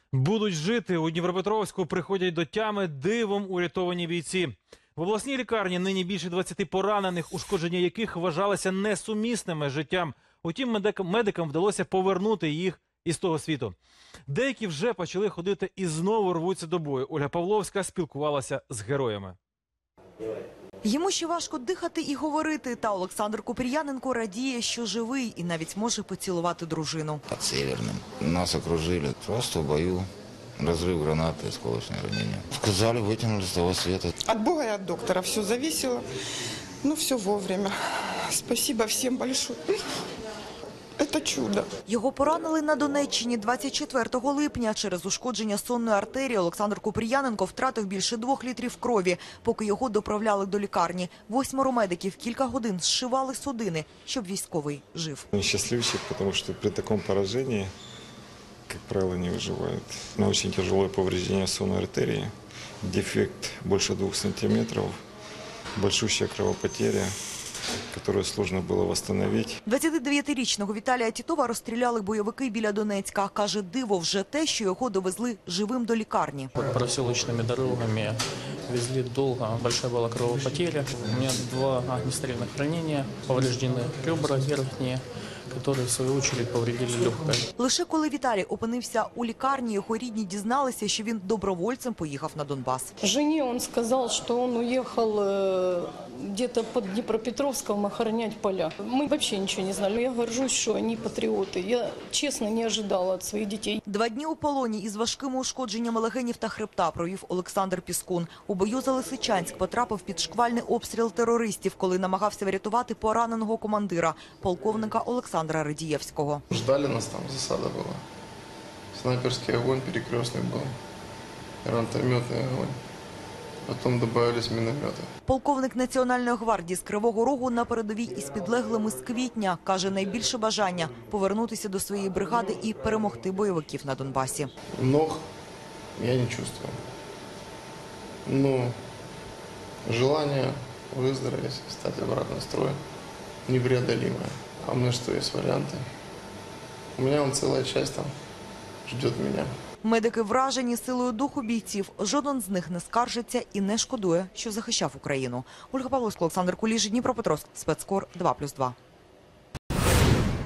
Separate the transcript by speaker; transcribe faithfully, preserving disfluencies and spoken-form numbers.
Speaker 1: Будуть жити. У Дніпропетровську приходять до тями дивом урятовані бійці. В обласній лікарні нині більше двадцяти поранених, ушкодження яких вважалися несумісними з життям. Утім, медикам, медикам вдалося повернути їх із того світу. Деякі вже почали ходити і знову рвуться до бою. Ольга Павловська спілкувалася з героями.
Speaker 2: Йому ще важко дихати і говорити, та Олександр Купріяненко радіє, що живий і навіть може поцілувати дружину.
Speaker 3: Под Северным. Нас окружили. Просто в бою. Разрыв гранаты, осколочное ранение. Сказали, вытянули с того света.
Speaker 4: От Бога и от доктора все зависело. Ну, все вовремя. Спасибо всем большое. Это чудо.
Speaker 2: Його поранили на Донеччині двадцять четвертого липня. Через ушкодження сонної артерії Олександр Купріяненко втратив більше двох літрів крові, поки його доправляли до лікарні. Восьмеро медиків кілька годин зшивали судини, щоб військовий жив.
Speaker 5: Он счастливчик, потому что при таком поражении, как правило, не выживают. На очень тяжелое повреждение сонной артерии, дефект больше двух сантиметров, большущая кровопотеря, которую сложно было восстановить.
Speaker 2: двадцятидев'ятирічного Віталія Тітова розстріляли бойовики біля Донецька. Каже, диво вже те, що його довезли живим до лікарні.
Speaker 6: Проселочными дорогами везли долго, большая была кровопотеря. У меня два огнестрельных ранения, повреждены ребра верхние, которые в свою очередь повредили легкое.
Speaker 2: Лише коли Віталій опинився у лікарні, його рідні дізналися, що він добровольцем поїхав на Донбас.
Speaker 7: Жене он сказал, что он уехал э, где-то под Днепропетровском охранять поля. Мы вообще ничего не знали. Я горжусь, что они патриоты. Я честно не ожидала от своих детей.
Speaker 2: Два дні у полоні із важкими ушкодженнями легенів та хребта провів Олександр Піскун. У бою за Лисичанськ потрапив під шквальний обстріл терористів, коли намагався врятувати пораненого командира, полковника Олександра Радієвського.
Speaker 8: Ждали нас там, засада была. Снайперский огонь перекрестный был, гранатометный огонь. Потом добавились минометы.
Speaker 2: Полковник Національної гвардії з Кривого Рогу на передовій із підлеглими з квітня. Каже, найбільше бажання – повернутися до своєї бригади і перемогти бойовиків на Донбасі.
Speaker 8: Ног я не чувствую. Но желание выздороветь, стать обратно в строй непреодолимое. А у меня что, есть варианты? У меня вон целая часть там ждет меня.
Speaker 2: Медики вражені силою духу бійців. Жоден з них не скаржиться і не шкодує, що захищав Україну. Ольга Павловська, Олександр Куліш, Дніпропетровськ, спецкор два плюс два.